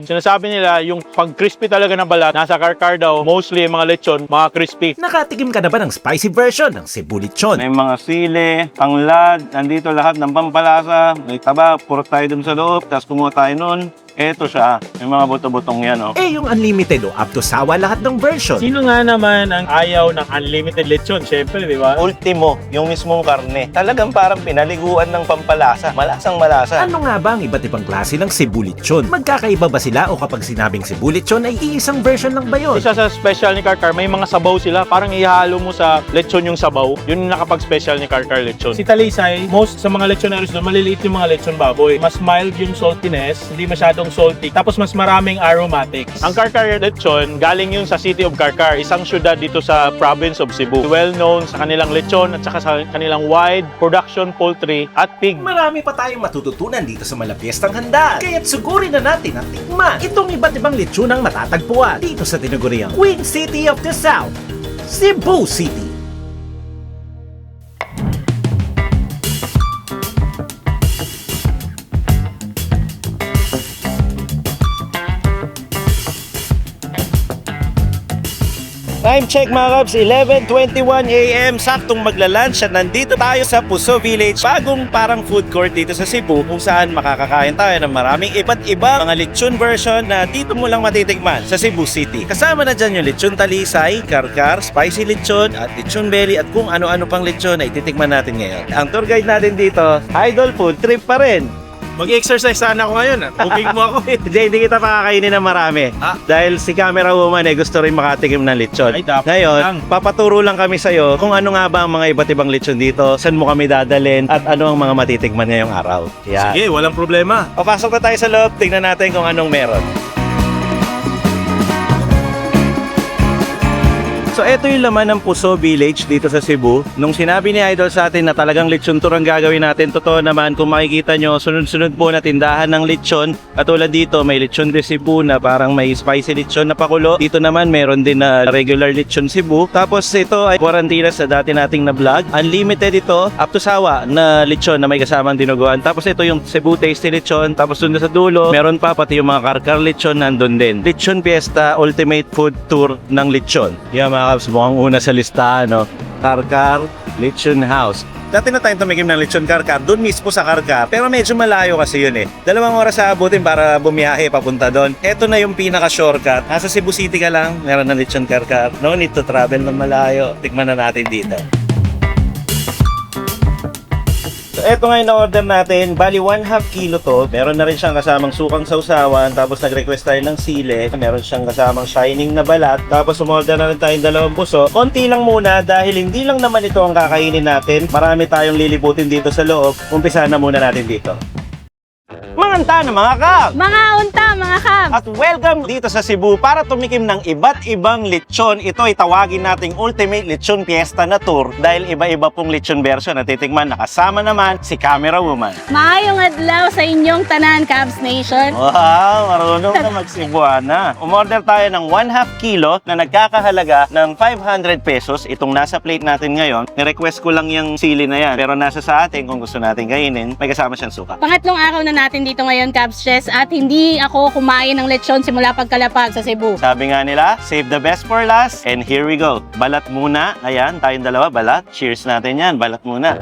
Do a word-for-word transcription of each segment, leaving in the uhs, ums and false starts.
Sinasabi nila yung pag-crispy talaga ng balat, nasa karkar daw, mostly yung mga lechon, mga crispy. Nakatikim ka na ba ng spicy version ng Cebu Lechon? May mga sili, tanglad, nandito lahat ng pampalasa, may taba, puro tayo dun sa loob, tapos kumuha tayo nun. Eto siya, may mga buto-butong yan, oh. Eh yung unlimited o up to sawa lahat ng version. Sino nga naman ang ayaw ng unlimited lechon? Siyempre, di ba? Ultimo, yung mismong karne. Talagang parang pinaliguan ng pampalasa. Malasang malasa. Ano nga ba ang iba't ibang klase ng Cebu Lechon? Magkakaiba ba sila o kapag sinabing Cebu Lechon ay iisang version lang ba yun? Isa sa special ni Karkar, may mga sabaw sila. Parang ihalo mo sa lechon yung sabaw. Yun yung nakapag-special ni Karkar lechon. Si Talisay, most sa mga lechoneros doon, maliliit yung mga lechon baboy. Mas mild yung saltiness, hindi masyadong salty. Tapos mas maraming aromatics. Ang Karkar lechon, galing yun sa City of Karkar, isang syudad dito sa province of Cebu. Well known sa kanilang lechon at saka sa kanilang wide production poultry at pig. Marami pa tayong matututunan dito sa Malapiestang Handaan. Kaya't sugurin na natin at tikman itong iba't ibang lechonang matatagpuan dito sa tinaguriang Queen City of the South, Cebu City. Time check mga Kabs, eleven twenty-one a m Saktong magla-lunch at nandito tayo sa Puso Village, bagong parang food court dito sa Cebu kung saan makakakain tayo ng maraming iba't iba mga lechon version na dito mo lang matitikman sa Cebu City. Kasama na dyan yung lechon talisay, karkar, spicy lechon at lechon belly at kung ano-ano pang lechon na ititikman natin ngayon. Ang tour guide natin dito, Idol Food Trip pa rin. Mag-exercise sana ako ngayon. Booking mo ako. Hindi, hindi kita pakakainin ng marami. Ah. Dahil si camera woman eh gusto rin makatikim ng lechon. Ay, dapat Ngayon, lang. papaturo lang kami sa'yo kung ano nga ba ang mga iba't ibang lechon dito, saan mo kami dadalhin, at ano ang mga matitikman ngayong araw. Yan. Sige, walang problema. Papasok na tayo sa loob, tingnan natin kung anong meron. So ito yung laman ng Puso Village dito sa Cebu. Nung sinabi ni Idol sa atin na talagang lechon tour ang gagawin natin, totoo naman kung makikita nyo, sunod-sunod po na tindahan ng lechon. Katulad dito, may lechon de Cebu na parang may spicy lechon na pakulo. Dito naman meron din na regular lechon Cebu. Tapos ito ay quarantine sa dati nating na vlog. Unlimited ito, up to sawa na lechon na may kasamang dinuguan. Tapos ito yung Cebu Tasty lechon. Tapos doon sa dulo, meron pa pati yung mga karkar lechon nandun din. Lechon Fiesta Ultimate Food Tour ng lechon. Yan mga Kabs, mukhang una sa listahan, no? Karkar Lechon House. Dati na tayong tumikim ng lechon karkar, doon mismo sa karkar, pero medyo malayo kasi yun eh. Dalawang oras sa abutin para bumiyahe papunta doon. Ito na yung pinaka-shortcut. Nasa Cebu City ka lang, meron ng lechon karkar. No need to travel ng malayo. Tikman na natin dito. So, eto nga yung na-order natin. Bali, one half kilo to. Meron na rin siyang kasamang sukang sausawan. Tapos nag-request tayo ng sile. Meron siyang kasamang shining na balat. Tapos umorder na rin tayong dalawang puso. Konti lang muna dahil hindi lang naman ito ang kakainin natin. Marami tayong lilibutin dito sa loob. Umpisa na muna natin dito. Manganta na mga kap! Mga unta, mga kam! At welcome dito sa Cebu para tumikim ng iba't ibang lechon. Ito ay tawagin nating Ultimate Lechon Fiesta na tour dahil iba-iba pong lechon version na titikman. Nakasama naman si Camera Woman. Maayong adlaw sa inyong tanan, Cavs Nation. Wow, marunong na mag-Cebuana. Umorder tayo ng one half kilo na nagkakahalaga ng five hundred pesos. Itong nasa plate natin ngayon. Ni-request ko lang yung sili na yan. Pero nasa sa atin kung gusto natin kainin, may kasama siyang suka. Pangatlong araw na natin dito ngayon, Cavs Chess, at hindi ako kumain ng lechon simula pagkalapag sa Cebu. Sabi nga nila, save the best for last. And here we go. Balat muna. Ayan, tayong dalawa, balat. Cheers natin yan. Balat muna.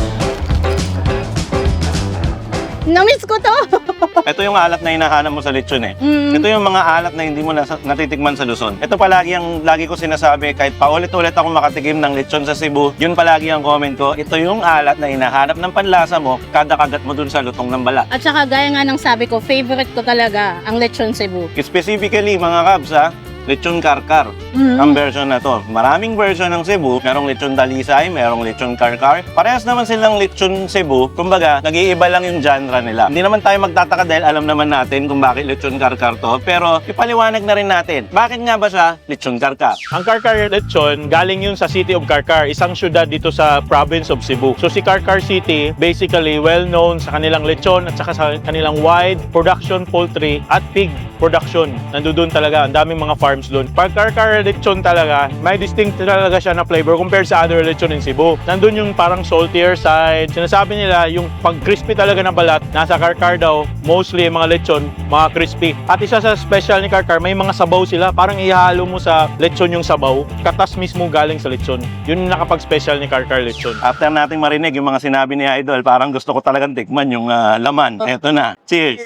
Namiss ko to! Ito yung alat na hinahanap mo sa lechon eh. Mm. Ito yung mga alat na hindi mo nasa, natitikman sa Luzon. Ito palagi ang lagi ko sinasabi, kahit paulit-ulit ako makatikim ng lechon sa Cebu, yun palagi ang comment ko. Ito yung alat na hinahanap ng panlasa mo kada kagat mo dun sa lutong ng balat. At saka gaya nga ng sabi ko, favorite ko talaga ang lechon Cebu. Specifically mga Kabs ha, lechon karkar. Mm. Ang version na to. Maraming version ng Cebu. Merong lechon dalisay, merong lechon karkar. Parehas naman silang lechon Cebu. Kumbaga, nag-iiba lang yung genre nila. Hindi naman tayo magtataka dahil alam naman natin kung bakit lechon karkar to. Pero ipaliwanag na rin natin. Bakit nga ba siya lechon karkar? Ang Karkar lechon, galing yun sa City of Karkar, isang syudad dito sa province of Cebu. So si Karkar City, basically well known sa kanilang lechon at saka sa kanilang wide production poultry at pig production. Nandoon talaga, ang daming mga farm farms doon. Pag Karkar lechon talaga, may distinct talaga siya na flavor compared sa other lechon in Cebu. Nandun yung parang saltier side. Sinasabi nila yung pag crispy talaga ng balat, nasa Karkar daw, mostly yung mga lechon, mga crispy. At isa sa special ni Karkar, may mga sabaw sila. Parang ihalo mo sa lechon yung sabaw. Katas mismo galing sa lechon. Yun yung nakapag-special ni Karkar lechon. After nating marinig yung mga sinabi ni Idol, parang gusto ko talagang tikman yung ah, laman. Eto na. Cheers!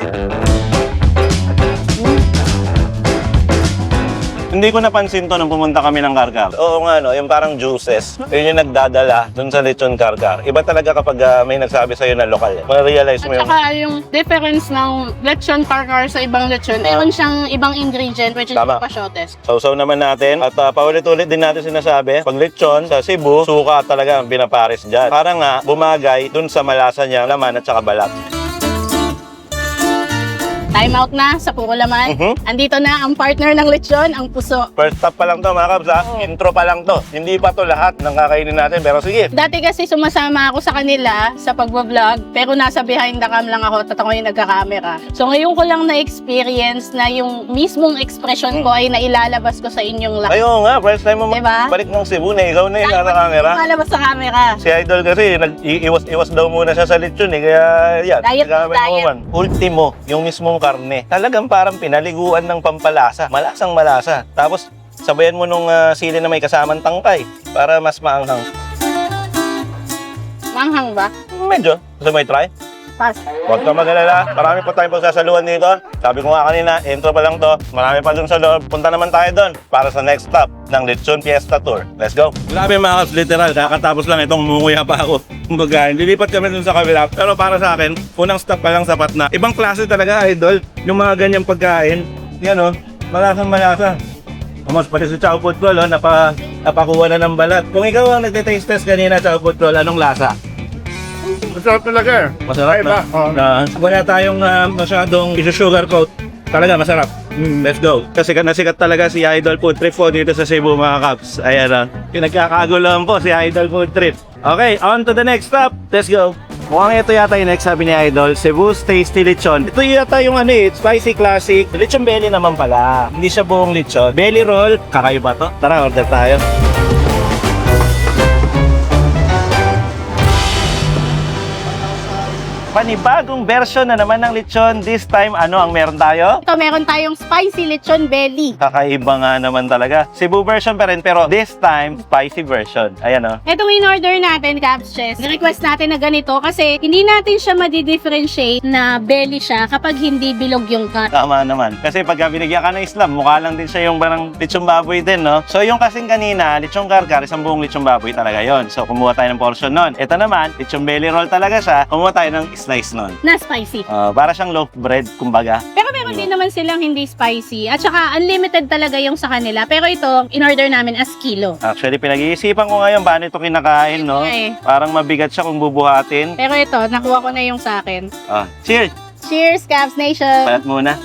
Hindi ko napansin to nung pumunta kami ng Karkar. Oo nga, no, yung parang juices, yun yung nagdadala dun sa lechon Karkar. Iba talaga kapag ah, may nagsabi sa'yo na lokal. Ma-realize At mo yung... saka yung difference ng lechon Karkar sa ibang lechon, meron siyang ibang ingredient which is Tama. pasyotes. Sausaw naman natin at uh, paulit-ulit din natin sinasabi, pag lechon sa Cebu, suka talaga ang pinapares dyan. Para nga bumagay dun sa malasa niya, laman at saka balat. Time out na sa puro laman. Mhm. Andito na ang partner ng lechon, ang puso. First stop pa lang to mga kabs ha, Oo. intro pa lang to. Hindi pa to lahat ng kakainin natin pero sige. Dati kasi sumasama ako sa kanila sa pagbablog, pero nasa behind the cam lang ako, at ako yung nagka-camera. So ngayon ko lang na-experience na yung mismong expression ko ay nailalabas ko sa inyong lahat. Ayun nga, first time mo Diba? balik ng Cebu na ikaw na yung nasa camera. Lalabas sa camera. Si Idol kasi nag-iwas-iwas daw muna siya sa lechon eh, kaya yan. Diet, nagkamay diet. naman. Ultimo, yung mismong karne. Talagang parang pinaliguan ng pampalasa. Malasang malasa. Tapos sabayan mo nung ah, sili na may kasamang tangkay para mas maanghang. Manghang ba? Medyo. Gusto mo i-try? Pass. Huwag ka mag-alala. Marami pa tayong pagsasaluhan dito. Sabi ko nga kanina, intro pa lang to. Marami pa dun sa loob. Punta naman tayo dun para sa next stop ng Lechon Fiesta Tour. Let's go! Grabe mga kaps, literal. Kakatapos lang itong munguya pa ako. Kumbaga, lilipat kami dun sa kabila. Pero para sa akin, unang stop pa lang sapat na. Ibang klase talaga, Idol. Yung mga ganyang pagkain. Yan o, malasang malasa. Almost pati sa Chow Food Roll, oh, napa, napakuha na ng balat. Kung ikaw ang nagte-taste test kanina Chow Food Roll, anong lasa? Masarap talaga eh. Masarap na. Oo. Na, wala tayong uh, masyadong isu-sugar coat. Talaga masarap. Mm, let's go. Kasi nasikat talaga si Idol Food Trip po dito sa Cebu mga kaps. Ayan o. Yung nagkakaguloan po si Idol Food Trip. Okay, on to the next stop. Let's go. Mukhang ito yata yung next sabi ni Idol, Cebu's Tasty Lechon. Ito yata yung ano eh, spicy classic. Lechon belly naman pala. Hindi siya buong lechon. Belly roll. Kakaiba to. Tara, order tayo. Panibagong version na naman ng lechon. This time, ano ang meron tayo? Ito, meron tayong spicy lechon belly. Kakaiba nga naman talaga. Cebu version pa rin, pero this time, spicy version. Ayan o. Itong in-order natin, Caps Chess, request natin na ganito kasi hindi natin siya madi-differentiate na belly siya kapag hindi bilog yung cut. Tama naman. Kasi pagka binigyan ka ng Islam, mukha lang din siya yung parang lechong baboy din, no? So yung kasing kanina, lechong Karkar, isang buong lechong baboy talaga yon. So kumuha tayo ng portion nun. Ito naman, lechong belly roll talaga siya. Kumuha tayo ng slice nun. Na spicy. Ah, para siyang loaf bread, kumbaga. Pero meron din naman silang hindi spicy. At saka unlimited talaga yung sa kanila. Pero ito, in-order namin as kilo. Actually, pinag-iisipan ko ngayon paano ito kinakain, no? Okay. Parang mabigat siya kung bubuhatin. Pero ito, nakuha ko na yung sa akin. Ah, cheers! Cheers, Caps Nation! Palat muna.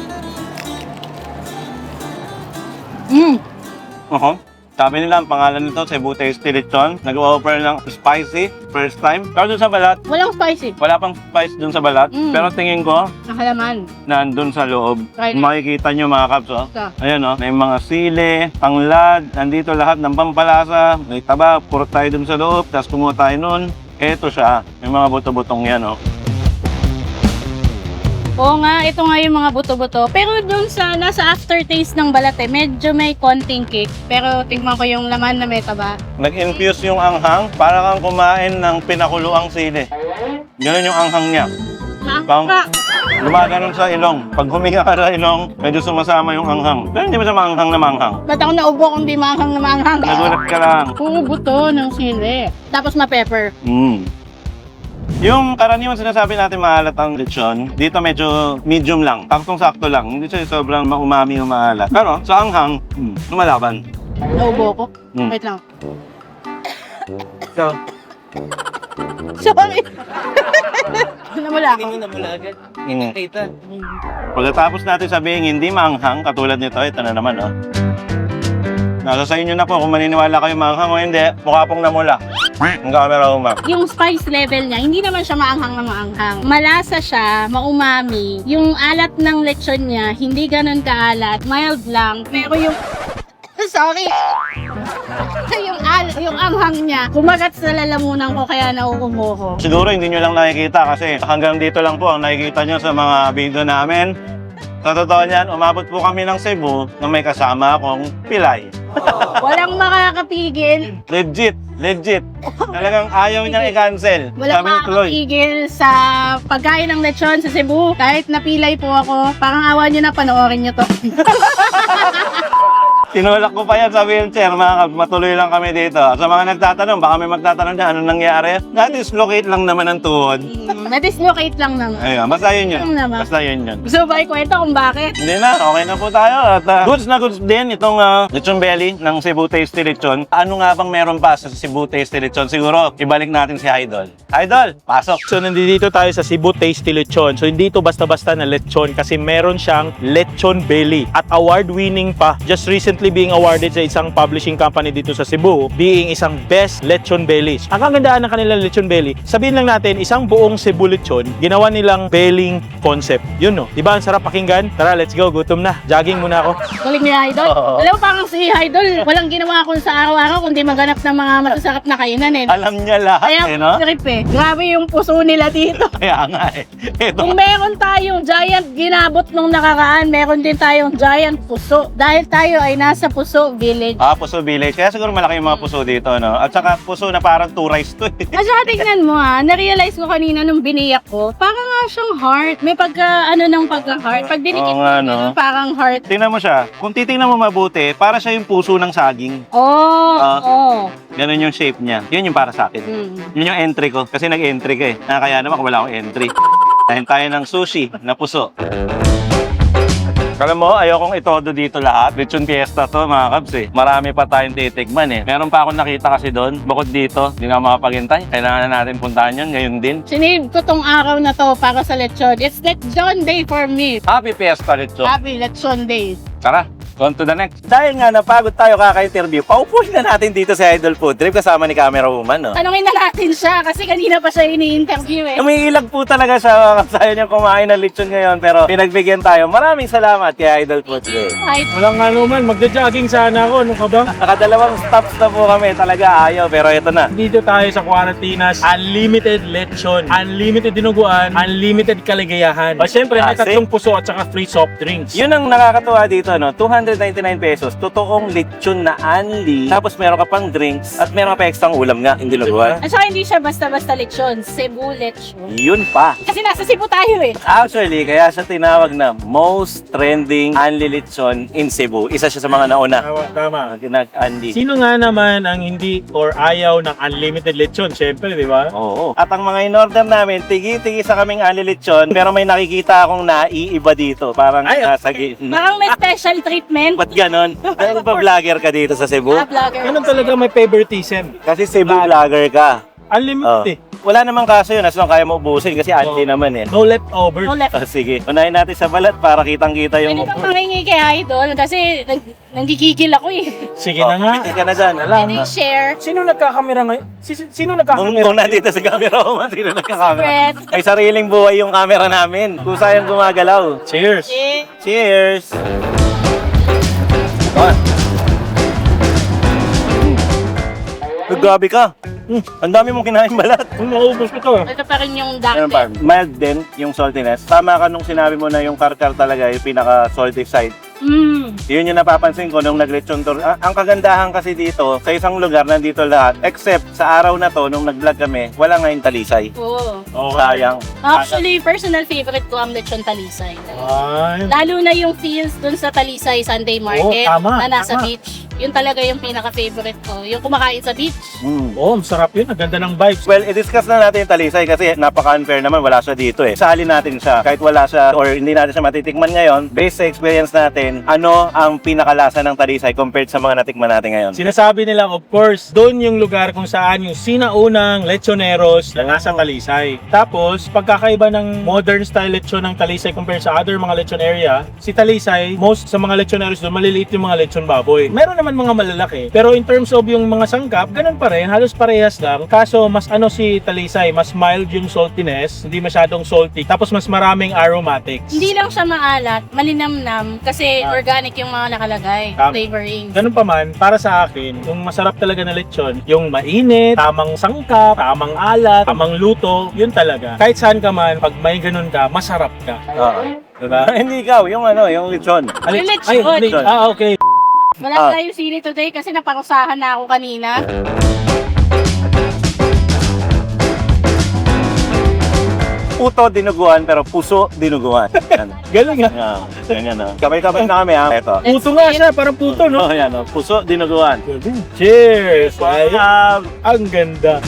Mm. Uh-huh. Sabi nila, ang pangalan nito, Cebu Tasty Lechon. Nag-offer ng spicy, first time. Pero dun sa balat, Walang spicy. wala pang spice dun sa balat. Mm. Pero tingin ko, Nakalaman. nandun sa loob. Right. Makikita nyo mga kaps, oh. Ito. Ayan, oh. May mga sili, tanglad, nandito lahat ng pampalasa. May taba, puro tayo dun sa loob. Tapos kumuha tayo nun. Eto siya. May mga buto-butong yan, oh. Oo nga, ito nga yung mga buto-buto. Pero dun sa, nasa aftertaste ng balat eh, medyo may konting kick. Pero tingnan ko yung laman na may taba. Nag-infuse yung anghang para kang kumain ng pinakuluang sili. Ganun yung anghang niya. Pang lumaganon sa ilong. Pag huminga ka sa ilong, medyo sumasama yung anghang. Pero hindi mo sa manghang na manghang. Ba't ako naubo kung di manghang na manghang? Nagulat ka lang. Puro buto ng sili. Tapos ma-pepper. Mm. Yung karaniwan sinasabi natin maalat ang lechon, dito medyo medium lang. Taktong-sakto lang. Hindi siya sobrang maumami o maalat. Pero sa anghang, mm, lumalaban. Naubo ko. Mm. Wait lang. So, Sorry. Namula ako. mm. Pagkatapos natin sabihin hindi maanghang, katulad nito, ito na naman, oh. Nasa sa inyo na po kung maniniwala kayo maanghang o hindi, mukha pong namula. Ang camera umang. Yung spice level niya, hindi naman siya maanghang na maanghang. Malasa siya, maumami. Yung alat ng lechon niya, hindi ganun kaalat. Mild lang. Pero yung Sorry. yung, al yung anghang niya, kumagat sa lalamunan ko kaya nauubo ko. Siguro hindi nyo lang nakikita kasi hanggang dito lang po ang nakikita nyo sa mga video namin. Sa totoo niyan, umabot po kami ng Cebu na may kasama akong pilay. Walang makakapigil. Legit, legit. Talagang ayaw niyang i-cancel. Walang Sabi ni Chloe, makakapigil sa pagkain ng lechon sa Cebu. Kahit napilay po ako, parang awa nyo na panoorin nyo to. tinulak ko pa yan sa wheelchair, mga kab, matuloy lang kami dito. Sa mga nagtatanong, baka may magtatanong dyan, anong nangyari? Na-dislocate lang naman ang tuhod. Hmm, Na-dislocate lang naman. Ayun, basta yun yun. Lang naman. Basta yun yun. Gusto ba ikwento kung bakit? Hindi na, okay na po tayo. At uh, goods na goods din itong uh, lechon belly ng Cebu Tasty Lechon. Ano nga bang meron pa sa Cebu Tasty Lechon? Siguro, ibalik natin si Idol. Idol, pasok! So nandito tayo sa Cebu Tasty Lechon. So hindi ito basta-basta na lechon kasi meron siyang lechon belly at award-winning pa. Just recently being awarded sa isang publishing company dito sa Cebu being isang best lechon belly. Ang kagandahan ng kanilang lechon belly, sabihin lang natin isang buong Cebu lechon, ginawa nilang belling concept. Yun no. Diba ang sarap pakinggan? Tara, let's go. Gutom na. Jogging muna ako. Galing ni Idol. Oo. Alam mo, parang si Idol, walang ginawa ko sa araw-araw kundi maghanap ng mga masasarap na kainan eh. Alam niya lahat Kaya eh, no? trip eh. Grabe yung puso nila dito. Kaya nga eh. Ito. Kung meron tayong giant ginabot nung nakaraan, meron din tayong giant puso. Dahil tayo ay nasa Puso Village. Ah, Puso Village. Kaya siguro malaki yung mga puso dito, no? At saka puso na parang two rice to eh. At saka tingnan mo ha, na-realize ko kanina nung biniyak ko, parang nga siyang heart. May pagka, ano ng pagka-heart. Pag dinikit Oo mo, nga, ganun, no? parang heart. Tingnan mo siya. Kung titingnan mo mabuti, para siya yung puso ng saging. Oh, Ah. oh. Ganun yung shape niya. Yun yung para sa akin. Hmm. Yun yung entry ko. Kasi nag-entry ka eh. Ah, kaya naman kung wala akong entry. Tahin tayo ng sushi na puso. Alam mo, ayokong itodo dito lahat. Lechon fiesta to, mga kabs eh. Marami pa tayong titikman eh. Meron pa akong nakita kasi doon. Bukod dito, hindi na ako makapaghintay. Kailangan na natin puntahan yun. Ngayon din. Sinave ko tong araw na to para sa lechon. It's lechon day for me. Happy Fiesta, Lechon. Happy lechon day. Tara, on to the next. Dahil nga napagod tayo kaka-interview, paupuin na natin dito sa Idol Food Trip kasama ni Camera Woman, no? Tanungin na natin siya kasi kanina pa siya ini-interview eh. Umiilag po talaga siya kasi ayaw niya kumain ng lechon ngayon pero pinagbigyan tayo. Maraming salamat kay Idol Food Trip. Kahit Walang ano man, magja-jogging sana ako. Ano ka ba? Nakadalawang stops na po kami. Talaga ayaw pero ito na. Dito tayo sa Quarantinas, unlimited lechon, unlimited dinuguan, unlimited kaligayahan. O syempre, may Kasi? tatlong puso at saka free soft drinks. Yun ang nakakatuwa dito, no? two hundred ninety-nine pesos. Totoong lechon na unli. Tapos meron ka pang drinks at meron ka pa extra ulam nga. Hindi luguan. at saka hindi siya basta-basta lechon. Cebu lechon. Yun pa. Kasi nasa Cebu tayo eh. Actually, kaya siya tinawag na most trending unli lechon in Cebu. Isa siya sa mga nauna. Tama, tama. Nag-unli. Sino nga naman ang hindi or ayaw ng unlimited lechon? Syempre, di ba? Oo. At ang mga in-order namin, tigi-tigi sa kaming unli lechon. Pero may nakikita akong naiiba dito. Parang Ay, nasa gitna. Parang may special treatment. Ba't ganon? Dahil pa vlogger ka dito sa Cebu? Ah, vlogger. Ganun talaga may favoritism. Kasi Cebu vlogger ka. Unlimited eh. Wala namang kaso yun as long kaya mo ubusin kasi unli Oo. naman eh. No leftover. No left. Oh, sige, unahin natin sa balat para kitang-kita Pwede yung... bang mangingi kay Idol? Kasi nag nanggigigil ako eh. Sige Oh, na nga. piti ka na dyan. Pwede share. Sino nagkakamera ngayon? Si, sino Kung, nagkakamera? kung nandito sa camera ko, man, sino nagkakamera? Fred. May sariling buhay yung camera namin. Kusa yung gumagalaw. Cheers! Eh, Cheers! Oh. Mm. Grabe ka. Mm. Ang dami mong kinain balat. Kung naubos ko to. ito pa rin yung Ano dark pa? Mild din yung saltiness. Tama ka nung sinabi mo na yung karkar talaga yung pinaka-salty side. Mm. Yun yung napapansin ko nung nag-lechon tour. Ah, ang kagandahan kasi dito, sa isang lugar nandito lahat, except sa araw na to, nung nag-vlog kami, wala ngayong talisay. Oo. Sayang. Actually, personal favorite ko ang lechon talisay. Ay, Lalo na yung feels dun sa Talisay Sunday Market Oo, tama, na nasa tama. beach. Yun talaga yung pinaka-favorite ko. Yung kumakain sa beach. Mm. oh, masarap yun. Ang ganda ng vibes. Well, i-discuss na natin yung talisay kasi napaka-unfair naman, wala siya dito eh. Sali natin siya, kahit wala siya or hindi natin siya matitikman ngayon, based sa experience natin, ano ang pinakalasa ng talisay compared sa mga natikman natin ngayon? Sinasabi nila, of course, doon yung lugar kung saan yung sinaunang lechoneros na nasa Talisay. Tapos, pagkakaiba ng modern style lechon ng Talisay compared sa other mga lechon area, si Talisay, most sa mga lechoneros doon, maliliit yung mga lechon baboy. Meron naman naman mga malalaki. Pero in terms of yung mga sangkap, ganun pa rin, halos parehas lang. Kaso mas ano si Talisay, mas mild yung saltiness, hindi masyadong salty, tapos mas maraming aromatics. Hindi lang siya maalat, malinamnam kasi Ah. organic yung mga nakalagay, Tama. flavoring. Ganun pa man, para sa akin, yung masarap talaga na lechon, yung mainit, tamang sangkap, tamang alat, tamang luto, yun talaga. Kahit saan ka man, pag may ganun ka, masarap ka. Oo. Diba? Hindi ikaw, yung ano, yung lechon. Ali- lechon. Ay, li- ah, okay. Wala Ah. tayong sili today kasi naparusahan na ako kanina. Puto dinuguan pero puso dinuguan. Yan. Galing ha. Yan. Ganyan na. Kamay-kamay na kami ha. Ito. Puto nga siya, parang puto, no? Oh, yan, oh. Puso dinuguan. Cheers! Ay, Ah, ang ganda.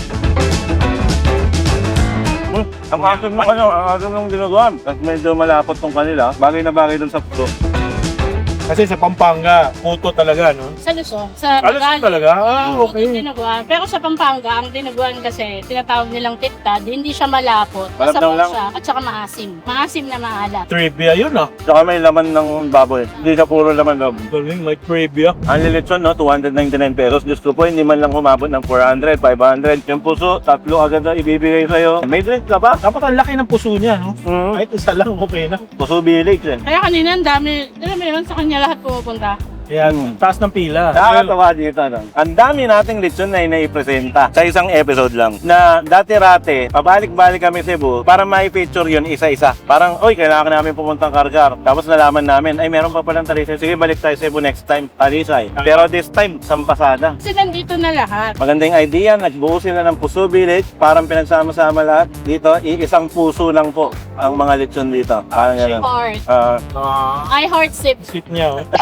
Hmm, ang asim ng ano, ang asim ng dinuguan. At medyo malapot tong kanila. Bagay na bagay dun sa puso. Kasi sa Pampanga, puto talaga, no? Sa Luzon, sa Alas Tagalog. talaga? Ah, Puto okay. dinuguan. Pero sa Pampanga, ang dinuguan kasi tinatawag nilang titad, hindi siya malapot. Malabnaw Masabaw lang. siya at saka maasim. Maasim na maalat. Trivia yun, ah. Tsaka may laman ng baboy. Hindi siya puro laman loob. Galing, may trivia. Ang lilitson, no, two hundred ninety-nine pesos. Diyos ko po, hindi man lang humabot ng four hundred, five hundred. Yung puso, tatlo agad na ibibigay sa'yo. May drink ka ba? Dapat ang laki ng puso niya, no? Mm. Kahit isa lang, okay na. Puso village eh. Kaya kanina ang dami, alam mo yun, sa kanya lahat pumupunta. Yan, taas ng pila. Nakakatawa dito, no? Ang dami nating lechon na inaipresenta sa isang episode lang. Na dati-rate, pabalik-balik kami Cebu para mai-feature yun isa-isa. Parang, oy, kailangan namin pumuntang Kargar. Tapos nalaman namin, ay meron pa palang Talisay. Sige, balik tayo Cebu next time, Talisay. Pero this time, Sampasada. Kasi nandito na lahat. Magandang idea, nagbuo sila ng Puso Village, parang pinagsama-sama lahat. Dito, iisang puso lang po ang mga lechon dito. Parang gano'n. Heart. Ah, Ah, I heart sip. sweet niya, oh.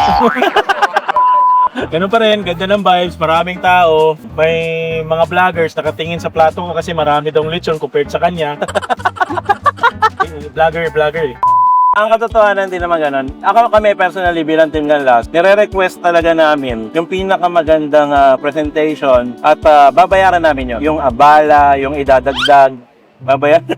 Ganun pa rin, ganda ng vibes, maraming tao. May mga vloggers nakatingin sa plato ko kasi marami daw lechon compared sa kanya. Vlogger, vlogger eh. ang katotohanan din naman ganun. Ako kami personally bilang Team Ganlas, nire-request talaga namin yung pinakamagandang ah, presentation at ah, babayaran namin yun. Yung abala, yung idadagdag, babayaran.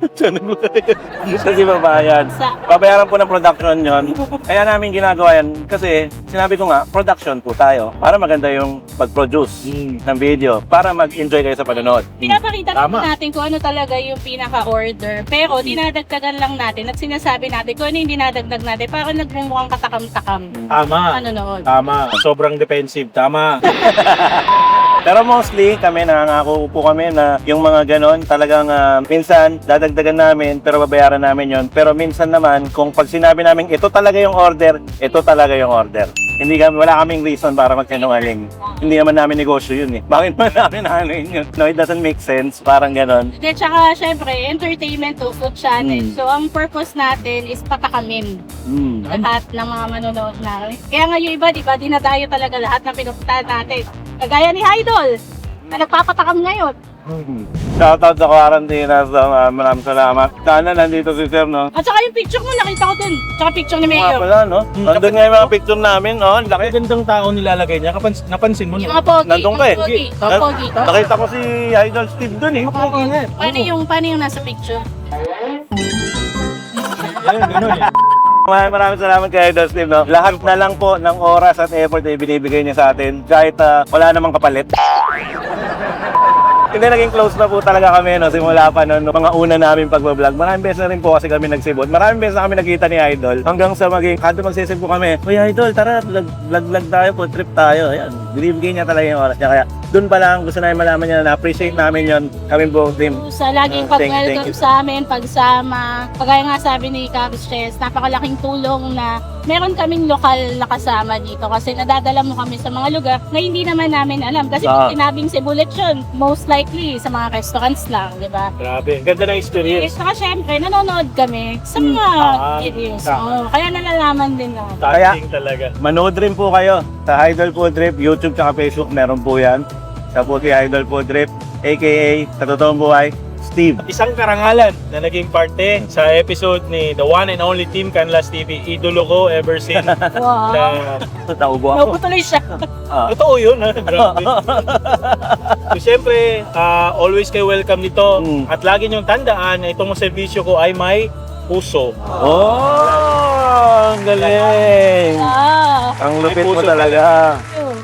Kasi babayan. Sa, Babayaran po ng production yon. Kaya namin ginagawa yan kasi sinabi ko nga, production po tayo para maganda yung pag-produce Mm. ng video para mag-enjoy kayo sa panonood. pinapakita Tama. naman natin kung ano talaga yung pinaka-order. Pero dinadagdagan lang natin at sinasabi natin kung ano yung dinadagdag natin para nagmumukhang katakam-takam. Tama. Manonood. Tama. Sobrang defensive. Tama. Pero mostly kami nangangako po kami na yung mga ganon talagang ah, minsan dadagdagan namin pero babayaran namin yon. Pero minsan naman kung pag sinabi namin ito talaga yung order, ito talaga yung order. Hindi kami, wala kaming reason para magsinungaling. Hindi naman namin negosyo yun eh. Bakit ba namin ano yun? No, it doesn't make sense. Parang ganon. At saka, syempre, entertainment to food channel. Mm. So, ang purpose natin is patakamin Mm. lahat ng mga manonood natin. Kaya nga yung iba, di ba, dinadayo talaga lahat ng pinupuntahan natin. Kagaya ni Idol, na nagpapatakam ngayon. Mm. Shoutout sa Quarantina. So, uh, maraming salamat. Sana nandito si Sir, no? At saka yung picture mo, nakita ko dun. Tsaka picture ni Nga Mayor. pala, no? Nandun nga yung mga picture namin, oh. Ang laki. Gandang tao nilalagay niya. Kapans napansin mo, Yung no? mga pogi. Nandun ka eh. mga pogi. Mga Na- pogi. Nakita ko si Idol Steve dun, eh. Paano yung, paano yung nasa picture? Yan, ganun eh. Maraming maraming salamat kay Idol Steve, no? Lahat na lang po ng oras at effort na ibinibigay niya sa atin kahit ah, wala namang kapalit. Hindi, naging close na po talaga kami, no? Simula pa, no? Nung mga una namin pagbablog. Maraming beses na rin po kasi kami nagsibot. Maraming beses na kami nakita ni Idol. Hanggang sa maging, kanto magsisip po kami, Uy, Idol, tara, vlog-vlog tayo po, trip tayo. Ayan, binibigay niya talaga yung oras niya. Kaya, doon pa lang, gusto namin malaman niya na na-appreciate namin yon kami buong team. Sa laging Ah, thank you, thank pag-welcome you. sa amin, pagsama. Kagaya nga sabi ni Carlos Chess, napakalaking tulong na meron kaming lokal na kasama dito kasi nadadala mo kami sa mga lugar na hindi naman namin alam. Kasi Ah. pag sinabing Cebu Lechon, most likely sa mga restaurants lang, di ba? Grabe. Ganda ng Eh, experience. saka syempre, nanonood kami sa Hmm. mga Ah, videos. tama. Oo, kaya nalalaman din na. Touching talaga. Manood rin po kayo sa Idol Food Trip, YouTube at Facebook, meron po yan. Sa po si Idol Food Trip, aka sa totoong buhay, Steve. Isang karangalan na naging parte sa episode ni the one and only Team Canlas T V. Idolo ko ever since Wow. na Naubo ako. Nauputuloy siya. Ah. totoo yun, ha? Grabe. So, siyempre, ah, always kayo welcome dito. Mm. At lagi niyong tandaan na itong serbisyo ko ay may puso. Oh, ang galing. Ah. Ang May lupit mo puso talaga. Yun,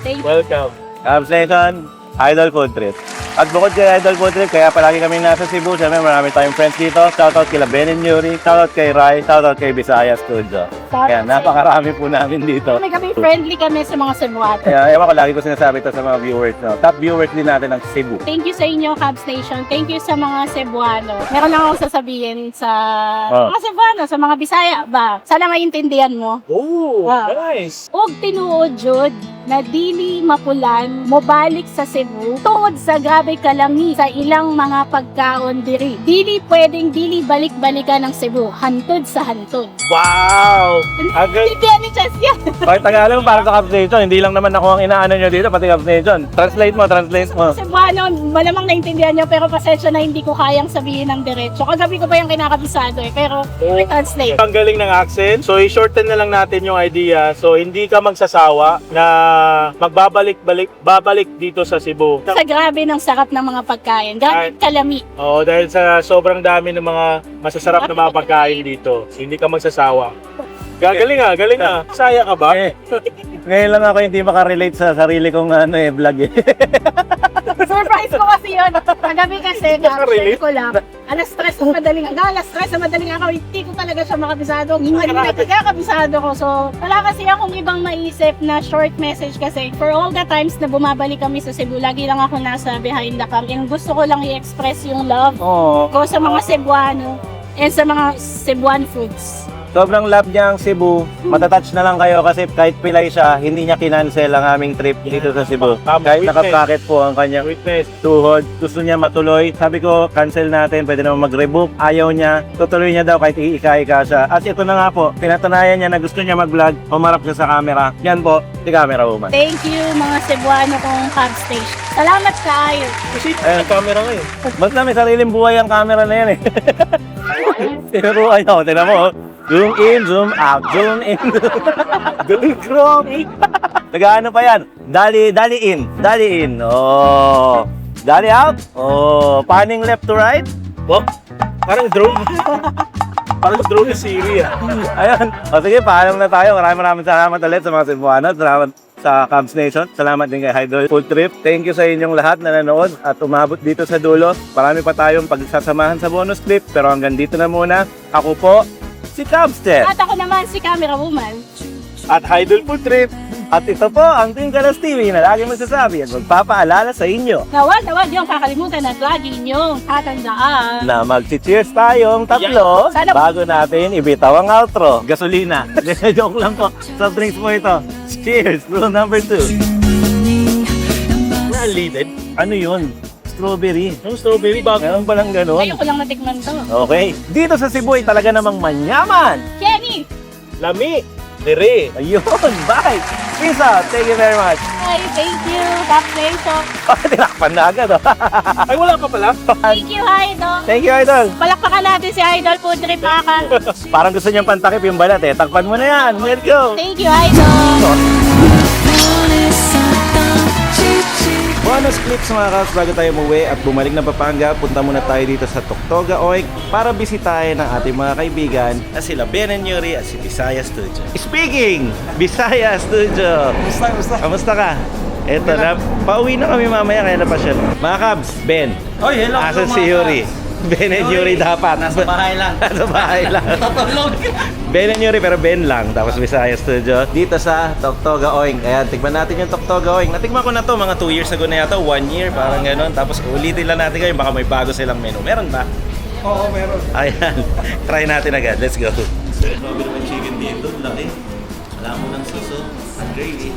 Thank you. Welcome. Cubs Nation, Idol Food Trip. At bukod kay Idol Food Trip, kaya palagi kami nasa Cebu. Siyempre, marami tayong friends dito. Shoutout kay Ben and Yuri, shoutout kay Rai, shoutout kay Visayas Studio. Kaya napakarami po namin dito. Kami kami friendly kami sa mga Cebuano. Kaya ewan ko, lagi ko sinasabi ito sa mga viewers. No? Top viewers din natin ng Cebu. Thank you sa inyo, Cubs Nation. Thank you sa mga Cebuano. Meron lang akong sasabihin sa Oh. mga Cebuano, sa mga Bisaya ba? Sana maintindihan mo. Oh, Wow. nice. Og tinuod jud na dili mapulan mobalik sa Cebu tungod sa grabe kalami sa ilang mga pagkaon diri. Dili pwedeng dili balik-balikan ng Cebu, hantod sa hantod. Wow. Agad. Hindi ni Chas yan. Kahit Tagalog para sa Cubs Nation, hindi lang naman ako ang inaano nyo dito, pati Cubs Nation. Translate mo, translate mo. Cebuano, malamang naintindihan nyo, pero pasensya na hindi ko kayang sabihin ng diretso. Kagabi ko pa yung kinakabisado eh, pero Oh. translate. Ang galing ng accent. So, i-shorten na lang natin yung idea. So, hindi ka magsasawa na magbabalik-balik babalik dito sa Cebu. Sa grabe ng sarap ng mga pagkain. Grabe kalami. Oo, dahil sa sobrang dami ng mga masasarap na mga pagkain dito. Hindi ka magsasawa. Gagaling ah, galing ah. Saya ka ba? Eh, ngayon lang ako hindi makarelate sa sarili kong ano eh, vlog eh. Surprise ko kasi yun. Kagabi kasi, Nakarelate? share ko lang. Alas stress sa madaling araw. Alas stress sa madaling araw. Hindi ko talaga siya makabisado. Hindi na kaya kabisado ko. So, wala kasi akong ibang maisip na short message kasi for all the times na bumabalik kami sa Cebu, lagi lang ako nasa behind the cam. And gusto ko lang i-express yung love Oo. ko sa mga Cebuano and sa mga Cebuan foods. Sobrang love niya ang Cebu. Matatouch na lang kayo kasi kahit pilay siya, hindi niya kinancel ang aming trip dito sa Cebu. Tama, Kahit witness. nakapakit po ang kanyang Witness. tuhod, gusto niya matuloy. Sabi ko, cancel natin, pwede naman mag-rebook. Ayaw niya, tutuloy niya daw kahit iika-ika siya. At ito na nga po, pinatunayan niya na gusto niya mag-vlog, umarap siya sa camera. Yan po, si camera woman. Thank you mga Cebuano kong Cub Station. Salamat kayo. Kasi Ayun. ang camera ngayon. Basta may sariling buhay ang camera na yan eh. Pero ayaw, tinan mo. oh. Zoom in, zoom out, zoom in. Zoom grabe. Nag-ano pa yan? Dali, dali in, dali in. Oh. Dali out. Oh, panning left to right. Oh, parang drone. Parang drone na Siri ah. Ayun. O sige, paalam na tayo. Maraming maraming salamat ulit sa mga Cebuano. Salamat sa Cubs Nation. Salamat din kay Idol Food Trip. Thank you sa inyong lahat na nanood at umabot dito sa dulo. Marami pa tayong pagsasamahan sa bonus clip. Pero hanggang dito na muna. Ako po, si Cubster. At ako naman si Camera Woman. At Idol Food Trip. At ito po ang Team Kalas T V na lagi magsasabi at magpapaalala sa inyo Na wag na wag yung kakalimutan at lagi niyong tatandaan. na mag-cheers tayong tatlo Sana- bago natin ibitaw ang outro. Gasolina. Joke lang po. Soft drinks po ito. Cheers! Rule number two. Na-leaded. Ano yun? Strawberry. Yung strawberry bago. Meron palang ganun. Ngayon ko lang natikman to. Okay. Dito sa Cebu ay talaga namang manyaman. Kenny! Lami. Dire. Ayun. Bye. Peace out. Thank you very much. Ay, thank you. Cub Station. Tinakpan na agad. Oh. Ay, wala ka pala. Thank you, Idol. Thank you, Idol. Palakpakan natin si Idol Food Trip, mga ka. Parang gusto niyang pantakip yung balat eh. Takpan mo na yan. Let's go. Thank you, Idol. Bonus clips mga Cubs bago tayo umuwi at bumalik na Pampanga, punta muna tayo dito sa Toktoga Oik para bisitahin ang ating mga kaibigan na sila Ben and Yuri at si Bisaya Studio. Speaking! Bisaya Studio! Kamusta, kamusta? Kamusta ka? Eto na, pauwi na kami mamaya kaya napasyon. Mga Cubs, Ben. Oy, hello. Asan hello, si mga Yuri? Ben and Yuri dapat. Nasa bahay lang. Nasa bahay lang. Tatulog. Ben and Yuri pero Ben lang. Tapos Visaya Studio. Dito sa Toktoga Oing. Kaya tikman natin yung Toktoga Oing. Natikman ko na to mga two years ago na yata. One year. Parang gano'n. Tapos ulitin lang natin kayo. Baka may bago silang menu. Meron ba? Oo, meron. Ayan. Try natin agad. Let's go. Sabi naman chicken dito. Laki. Wala mo ng suso. Ang gravy.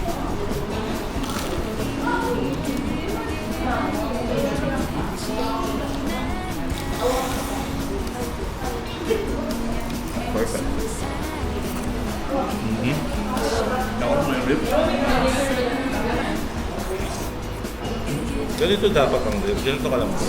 Perfect. Mm-hmm. Ganito dapat ang ribs. Ganito ka lang po.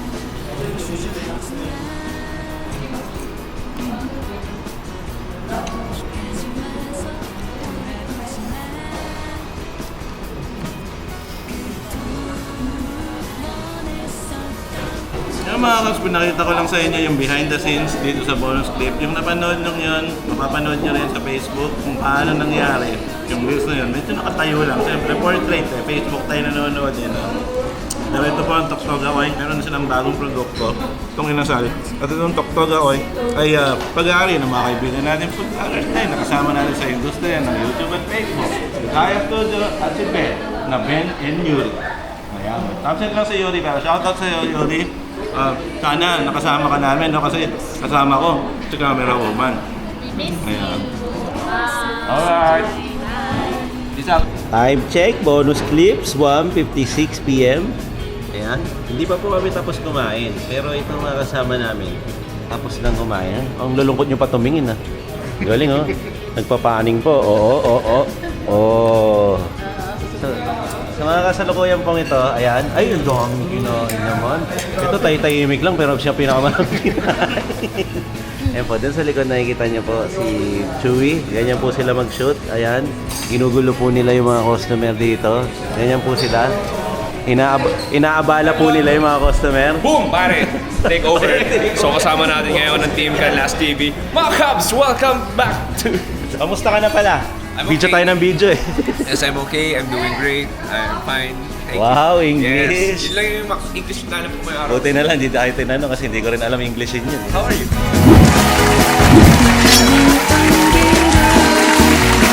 Yung mga Cubs, pinakita ko lang sa inyo yung behind the scenes dito sa bonus clip. Yung napanood nyo yun, mapapanood nyo rin sa Facebook kung paano nangyari yung reels na yun. Medyo nakatawa nakatayo lang. Siyempre, portrait eh. Facebook tayo nanonood eh. No? Dahil ito po ang Toktoga Oy. Meron na silang bagong produkto. Itong inasal. At itong Toktoga Oy ay uh, pag-aari ng mga kaibigan natin food vloggers tayo. Nakasama natin sa industriya ng YouTube at Facebook. Si Kaya Studio at si Ben na Ben and Yuri. Ayan. Tapos lang si Yuri. Pero shoutout sa iyo, Yuri. Uh, sana nakasama ka namin, no? Kasi kasama ko si camera woman. Ayan. Alright. Peace out. Time check, bonus clips, one fifty-six p m Ayan. Hindi pa po kami tapos kumain. Pero ito mga kasama namin, tapos lang kumain. Ang lulungkot nyo pa tumingin, ha? Galing, oh. Nagpapaning po. Oo, oo, oo. Oo. So, sa mga kasalukuyan pong ito, ayan. Ay, ang dami kinain naman. Ito tay-tahimik lang, pero siya pinakamaraming kinain. Ayan po, dun sa likod nakikita niyo po si Chewy. Ganyan po sila mag-shoot. Ayan. Ginugulo po nila yung mga customer dito. Ganyan po sila. Inaab inaabala po nila yung mga customer. Boom, pare! Take over. So kasama natin ngayon ng Team Canlas T V. Mga Cubs, welcome back to... Kamusta ka na pala? I'm Video okay. tayo ng video eh. Yes, I'm okay. I'm doing great. I'm fine. Thank Wow, you. English. Yes. Yun lang yung mak- English na alam ko may araw. Buti na lang, hindi tayo tinanong kasi hindi ko rin alam Englishin yun. How are you?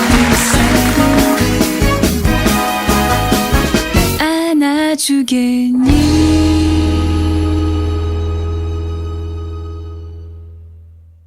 안아주겠니